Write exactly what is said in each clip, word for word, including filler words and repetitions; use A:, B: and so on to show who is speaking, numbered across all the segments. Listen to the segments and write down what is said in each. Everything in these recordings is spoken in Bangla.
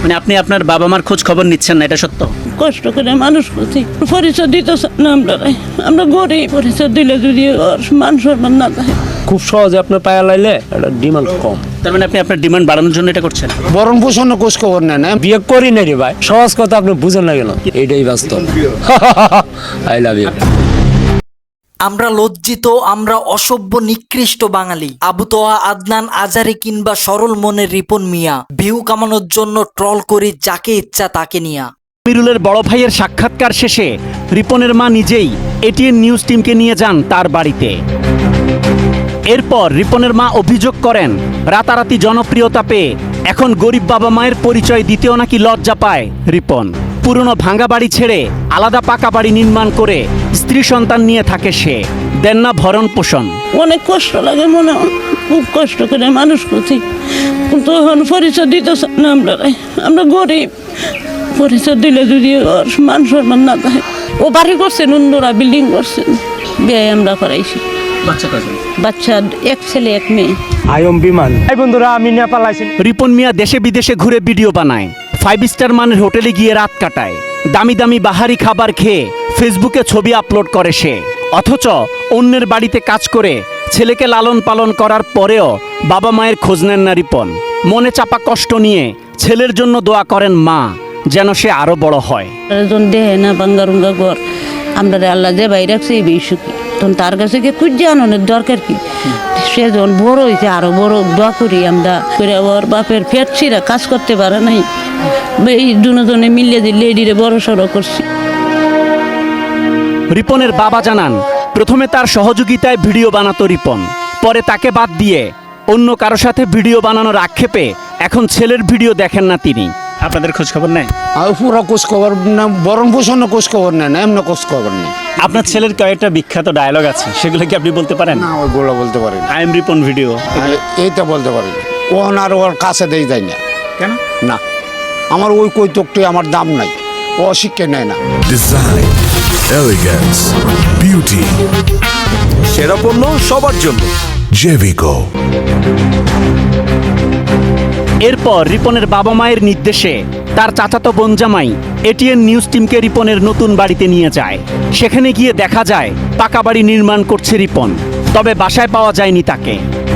A: মানে আপনি আপনার বাবা মার খোঁজ খবর নিচ্ছেন না, এটা সত্য?
B: কষ্ট করে মানুষ করছি, পরিচয় দিতে না আমরা আমরা গরিব, পরিচয় দিলে যদি ওর মান সম্মান না থাকে।
C: খুব সহজে আপনার পায়া লাইলে এটা ডিমান্ড কম।
A: তার মানে আপনি আপনার ডিমান্ড বাড়ানোর জন্য এটা করছেন?
D: বরণ পোষণ খোঁজ খবর নেন না,
C: বিয়ে করি না রে ভাই, সহজ কথা আপনি বুঝেন না কেন, এটাই বাস্তব। I love you.
E: আমরা লজ্জিত, আমরা অসভ্য নিকৃষ্ট বাঙালি। আবু তোহা, আদনান, আজারি কিংবা সরল মনের রিপন মিয়া ভিউ কামানোর জন্য ট্রল করি যাকে ইচ্ছা তাকে নিয়া।
A: আমিরুলের বড় ভাইয়ের সাক্ষাৎকার শেষে রিপনের মা নিজেই এটিএন নিউজ টিমকে নিয়ে যান তার বাড়িতে। এরপর রিপনের মা অভিযোগ করেন, রাতারাতি জনপ্রিয়তা পেয়ে এখন গরিব বাবা মায়ের পরিচয় দিতেও নাকি লজ্জা পায় রিপন। পুরনো ভাঙা বাড়ি ছেড়ে আলাদা পাকা বাড়ি নির্মাণ করে স্ত্রী সন্তান নিয়ে থাকে সে, দেন না ভরণ পোষণ।
B: অনেক কষ্ট লাগে মনে হয়, খুব কষ্ট করে মানুষ করছি, কিন্তু এখন পরিচয় দিতে না আমরা আমরা গরিব, পরিচয় দিলে যদি ওর মান সম্মান না থাকে। ও বাড়ি করছেন, অন্যরা বিল্ডিং করছেন, বিয়ে আমরা করাইছি।
A: বাচ্চা কয়জন?
B: বাচ্চা এক ছেলে এক মেয়ে।
C: আয়ম বিমান। এই বন্ধুরা, আমি নেপাল আইছি।
A: রিপন মিয়া দেশে বিদেশে ঘুরে ভিডিও বানায়, ফাইভ স্টার মানের হোটেলে গিয়ে রাত কাটায়, দামি দামি বাহারি খাবার খেয়ে ফেসবুকে ছবি আপলোড করে সে। অথচ অন্যের বাড়িতে কাজ করে ছেলেকে লালন পালন করার পরেও বাবা মায়ের খোঁজ নেন না রিপন। মনে চাপা কষ্ট নিয়ে ছেলের জন্য দোয়া করেন মা, যেন সে আরো বড় হয়।
B: একজন দেহে না বাঙ্গারুঙ্গা ঘর, আমরা আল্লাহ যে বাইরে রাখছে এই বেশি সুখী, তখন তার কাছে গিয়ে খুঁজে আনানোর দরকার কি? সে যখন বড় হয়েছে আরো বড় দোয়া করি আমরা করে। ওর বাপের পেট ছিঁড়া কাজ করতে পারে নাই, এই দুজনে মিলিয়ে দিয়ে লেডিরে বড় সড়ো করছি।
A: রিপনের বাবা জানান, প্রথমে তার সহযোগিতায় ভিডিও বানাতো রিপন, পরে তাকে বাদ দিয়ে অন্য কারো সাথে ভিডিও বানানোর আক্ষেপে এখন ছেলের ভিডিও দেখেন না তিনি। আপনাদের খোঁজ খবর নেয়?
D: আর পুরো খোঁজ খবর না, বরণ পোষণ খোঁজ খবর নেন না, এমনি খোঁজ খবর নেই।
A: আপনার ছেলের কয়েকটা বিখ্যাত ডায়লগ আছে, সেগুলো কি আপনি বলতে পারেন?
D: না, ওইগুলো বলতে পারি না।
A: আই এম রিপন ভিডিও,
D: এইটা বলতে পারি না। ও আর ওর কাছে দেই যায় না।
A: কেন?
D: না, আমার ওই কৈতকটি আমার দাম নাই, ও শিক্ষা নেয় না।
F: ডিজাইন, এলিগেন্স, বিউটি, সেরা পণ্য সবার জন্য জেভিকো।
A: এরপর রিপনের বাবা মায়ের নির্দেশে তার চাচাতো বোন জামাই এটিএন নিউজ টিমকে রিপনের নতুন বাড়িতে নিয়ে যায়। সেখানে গিয়ে দেখা যায় পাকা বাড়ি নির্মাণ করছে রিপন, তবে বাসায় পাওয়া যায়নি তাকে।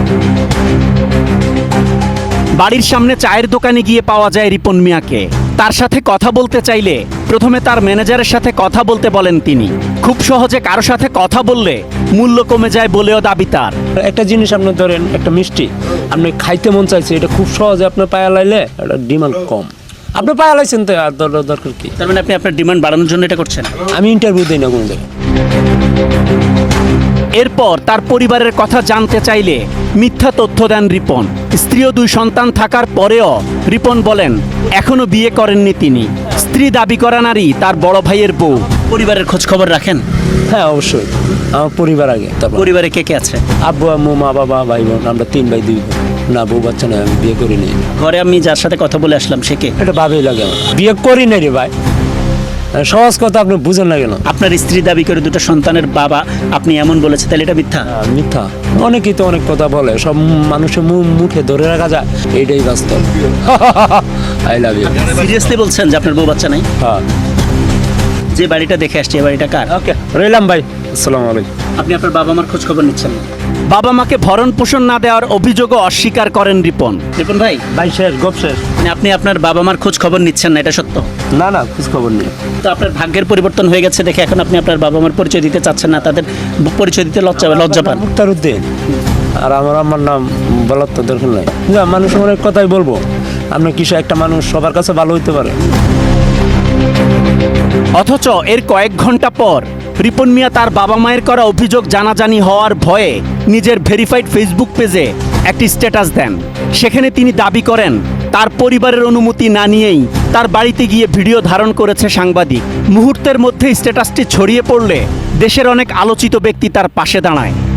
A: বাড়ির সামনে চায়ের দোকানে গিয়ে পাওয়া যায় রিপন মিয়াকে। তার সাথে কথা বলতে চাইলে প্রথমে তার ম্যানেজারের সাথে কথা বলতে বলেন তিনি। খুব সহজে কারো সাথে কথা বললে মূল্য কমে যায় বলেও দাবি তার।
C: একটা জিনিস আপনি ধরেন, একটা মিষ্টি আপনি খাইতে মন চাইছে, এটা খুব সহজে আপনার পায়া লাইলে এটা ডিমান্ড কম। আপনি পায়া লাইছেন তো আর দরকার কি?
A: তার মানে আপনি আপনার ডিমান্ড বাড়ানোর জন্য এটা করছেন?
C: আমি ইন্টারভিউ দিই না কোনো জায়গায়।
A: এরপর তার পরিবারের কথা জানতে চাইলে মিথ্যা তথ্য দেন রিপন। স্ত্রী ও দুই সন্তান থাকার পরেও রিপন বলেন এখনো বিয়ে করেননি তিনি। স্ত্রী দাবি করা নারী তার বড় ভাইয়ের বউ। পরিবারের খোঁজ খবর রাখেন?
C: হ্যাঁ, অবশ্যই। আমার পরিবার আগে, তারপর
A: পরিবারে কে কে আছে?
C: আব্বু, আম্মু, মা, বাবা, ভাই বোন, আমরা তিন ভাই দুই বোন। না, বউ বাচ্চা নয়, আমি বিয়ে করি নাই।
A: ঘরে আমি যার সাথে কথা বলে আসলাম সে কে?
C: এটা ভাবেই লাগে আমার, বিয়ে করি নাই রে ভাই, সহজ কথা আপনি বুঝেন না কেন?
A: আপনার স্ত্রী দাবি করে দুটো সন্তানের বাবা আপনি এমন বলেছে, তাহলে এটা মিথ্যা?
C: আহ, মিথ্যা। অনেকেই তো অনেক কথা বলে, সব মানুষের মুখ মুখে ধরে রাখা যায়, এইটাই বাস্তব। I love you.
A: সিরিয়াসলি বলছেন যে আপনার বউ বাচ্চা নাই?
C: হ্যাঁ।
A: যে বাড়িটা দেখে আসছে এই বাড়িটা কার?
C: ওকে, রইলাম ভাই, আসসালামু আলাইকুম।
A: আপনি আপনার বাবা মার খোঁজ খবর নিচ্ছেন না? বাবা মাকে ভরণ পোষণ না দেওয়ার অভিযোগও অস্বীকার করেন রিপন। রিপন ভাই,
C: ভাই শেষ, গপ শেষ।
A: মানে আপনি আপনার বাবা মার খোঁজ খবর নিচ্ছেন না, এটা সত্য?
C: না না, খোঁজ খবর নেই।
A: তো আপনার ভাগ্যের পরিবর্তন হয়ে গেছে দেখে এখন আপনি আপনার বাবা মার পরিচয় দিতে চাচ্ছেন না, তাদের পরিচয় দিতে লজ্জা লজ্জা পান?
C: মুক্তার উদ্দিন, আর আমার আমার নাম বলার তো দরকার নাই। না, মানুষ অনেক কথাই বলবো, আপনি কিছু একটা মানুষ সবার কাছে ভালো হইতে পারে।
A: অথচ এর কয়েক ঘন্টা পর রিপন মিয়া তার বাবা মায়ের করা অভিযোগ জানাজানি হওয়ার ভয়ে নিজের ভেরিফাইড ফেসবুক পেজে একটি স্ট্যাটাস দেন। সেখানে তিনি দাবি করেন তার পরিবারের অনুমতি না নিয়েই তার বাড়িতে গিয়ে ভিডিও ধারণ করেছে সাংবাদিক। মুহূর্তের মধ্যে স্ট্যাটাসটি ছড়িয়ে পড়লে দেশের অনেক আলোচিত ব্যক্তি তার পাশে দাঁড়ায়।